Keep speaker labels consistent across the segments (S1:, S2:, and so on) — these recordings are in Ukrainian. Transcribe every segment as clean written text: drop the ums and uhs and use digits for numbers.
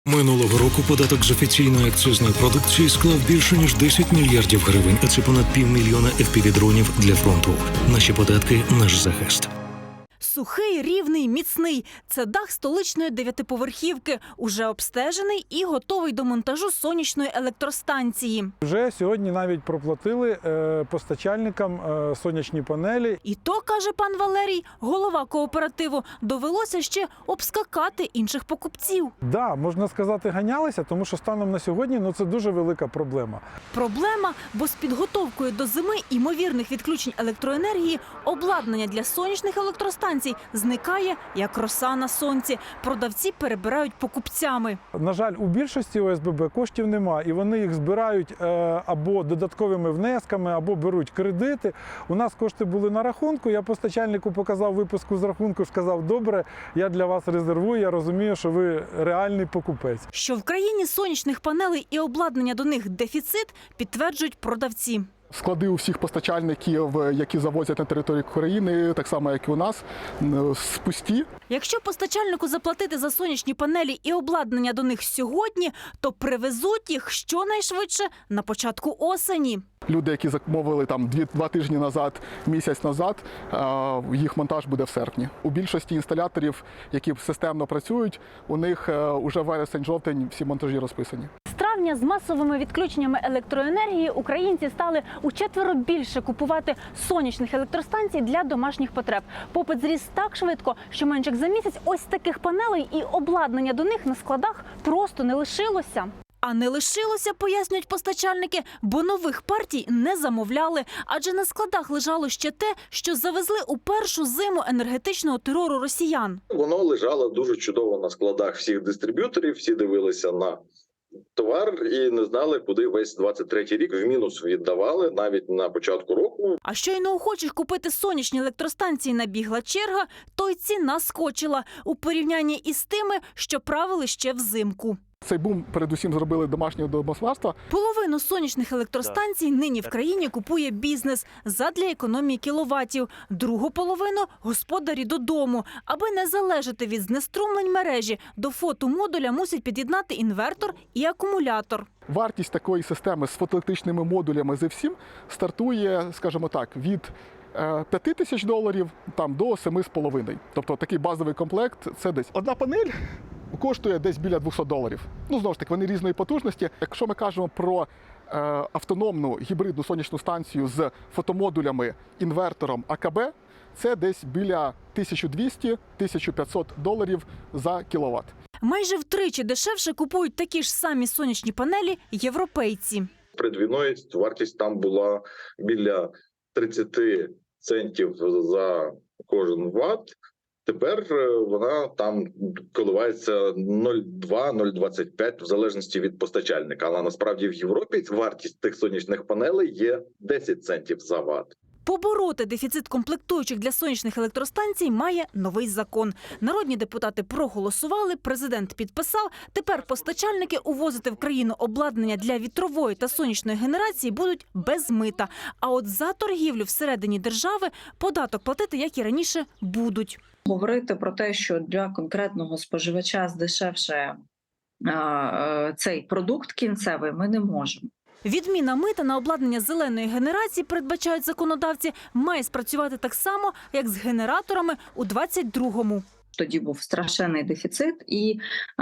S1: Минулого року податок з офіційної акцизної продукції склав більше ніж 10 мільярдів гривень, а це понад 500 000 FPV-дронів для фронту. Наші податки – наш захист.
S2: Сухий, рівний, міцний – це дах столичної 9-поверхівки, уже обстежений і готовий до монтажу сонячної електростанції.
S3: Вже сьогодні навіть проплатили постачальникам сонячні панелі.
S2: І то, каже пан Валерій, голова кооперативу, довелося ще обскакати інших покупців.
S3: Да, можна сказати, ганялися, тому що станом на сьогодні це дуже велика проблема.
S2: Проблема, бо з підготовкою до зими ймовірних відключень електроенергії обладнання для сонячних електростанцій зникає, як роса на сонці. Продавці перебирають покупцями.
S3: На жаль, у більшості ОСББ коштів нема, і вони їх збирають або додатковими внесками, або беруть кредити. У нас кошти були на рахунку, я постачальнику показав виписку з рахунку, сказав, добре, я для вас резервую, я розумію, що ви реальний покупець.
S2: Що в країні сонячних панелей і обладнання до них дефіцит, підтверджують продавці.
S4: Склади у всіх постачальників, які завозять на територію України, так само, як і у нас, пусті.
S2: Якщо постачальнику заплатити за сонячні панелі і обладнання до них сьогодні, то привезуть їх щонайшвидше на початку осені.
S4: Люди, які замовили там 2 тижні назад, місяць назад, їх монтаж буде в серпні. У більшості інсталяторів, які системно працюють, у них уже вересень-жовтень всі монтажі розписані.
S2: З травня з масовими відключеннями електроенергії українці стали учетверо більше купувати сонячних електростанцій для домашніх потреб. Попит зріс так швидко, що менше як за місяць ось таких панелей і обладнання до них на складах просто не лишилося. А не лишилося, пояснюють постачальники, бо нових партій не замовляли. Адже на складах лежало ще те, що завезли у першу зиму енергетичного терору росіян.
S5: Воно лежало дуже чудово на складах всіх дистриб'юторів, всі дивилися на товар і не знали, куди весь 23-й рік в мінус віддавали навіть на початку року.
S2: А щойно охочих купити сонячні електростанції набігла черга, то й ціна скочила у порівнянні із тими, що правили ще взимку.
S4: Цей бум передусім зробили домашнє домогосподарства.
S2: Половину сонячних електростанцій нині в країні купує бізнес задля економії кіловатів. Другу половину – господарі додому. Аби не залежати від знеструмлень мережі, до фотомодуля мусять під'єднати інвертор і акумулятор.
S4: Вартість такої системи з фотоелектричними модулями зі всім стартує, скажімо так, від $5000 там, до 7,5. Тобто такий базовий комплект – це десь одна панель коштує десь біля $200. Знову ж таки, вони різної потужності. Якщо ми кажемо про автономну гібридну сонячну станцію з фотомодулями, інвертором АКБ, це десь біля $1200–1500 за кіловат.
S2: Майже втричі дешевше купують такі ж самі сонячні панелі європейці.
S5: Перед війною вартість там була біля 30 центів за кожен ватт. Тепер вона там коливається 0,2–0,25 в залежності від постачальника. Але насправді в Європі вартість тих сонячних панелей є 10 центів за ватт.
S2: Побороти дефіцит комплектуючих для сонячних електростанцій має новий закон. Народні депутати проголосували, президент підписав. Тепер постачальники увозити в країну обладнання для вітрової та сонячної генерації будуть без мита. А от за торгівлю всередині держави податок платити, як і раніше, будуть.
S6: Говорити про те, що для конкретного споживача здешевше цей продукт кінцевий, ми не можемо.
S2: Відміна мита на обладнання зеленої генерації, передбачають законодавці, має спрацювати так само, як з генераторами у 22-му.
S6: Тоді був страшенний дефіцит, і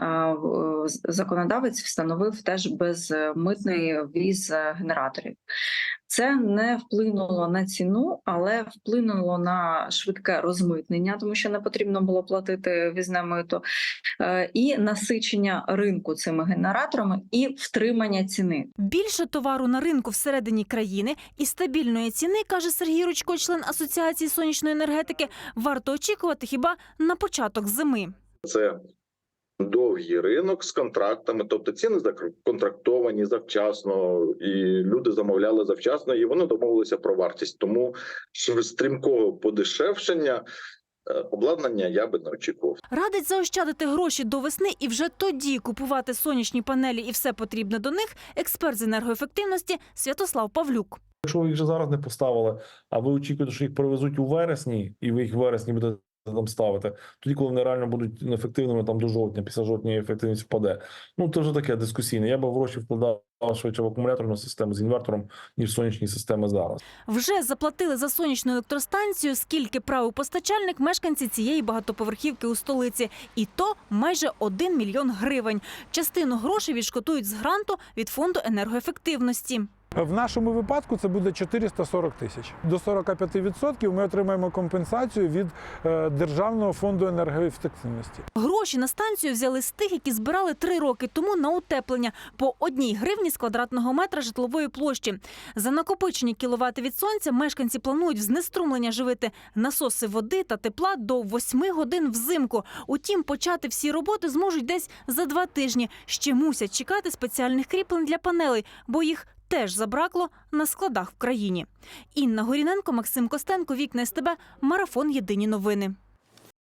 S6: законодавець встановив теж безмитний ввіз генераторів. Це не вплинуло на ціну, але вплинуло на швидке розмитнення, тому що не потрібно було платити ввізне мито, і насичення ринку цими генераторами і втримання ціни.
S2: Більше товару на ринку всередині країни і стабільної ціни, каже Сергій Ручко, член Асоціації сонячної енергетики, варто очікувати хіба на початок зими.
S5: Це довгий ринок з контрактами, тобто ціни законтрактовані завчасно, і люди замовляли завчасно, і вони домовилися про вартість. Тому стрімкого подешевшення обладнання я би не очікував.
S2: Радить заощадити гроші до весни і вже тоді купувати сонячні панелі і все потрібне до них експерт з енергоефективності Святослав Павлюк.
S7: Якщо ви їх вже зараз не поставили, а ви очікуєте, що їх привезуть у вересні, і ви їх в вересні будете там ставити. Тоді, коли вони реально будуть неефективними там до жовтня, після жовтня ефективність впаде. Ну, це вже таке дискусійне. Я б гроші вкладав швидше в акумуляторну систему з інвертором, ніж в сонячні системи зараз.
S2: Вже заплатили за сонячну електростанцію, скільки правив постачальник мешканці цієї багатоповерхівки у столиці. І то майже 1 мільйон гривень. Частину грошей відшкодують з гранту від фонду енергоефективності.
S3: В нашому випадку це буде 440 тисяч. До 45% ми отримаємо компенсацію від Державного фонду енергоефективності.
S2: Гроші на станцію взяли з тих, які збирали 3 роки тому на утеплення по 1 гривні з квадратного метра житлової площі. За накопичені кіловати від сонця мешканці планують в знеструмлення живити насоси води та тепла до 8 годин взимку. Утім, почати всі роботи зможуть десь за 2 тижні. Ще мусять чекати спеціальних кріплень для панелей, бо їх теж забракло на складах в країні. Інна Горіненко, Максим Костенко, Вікна СТБ, Марафон. Єдині новини.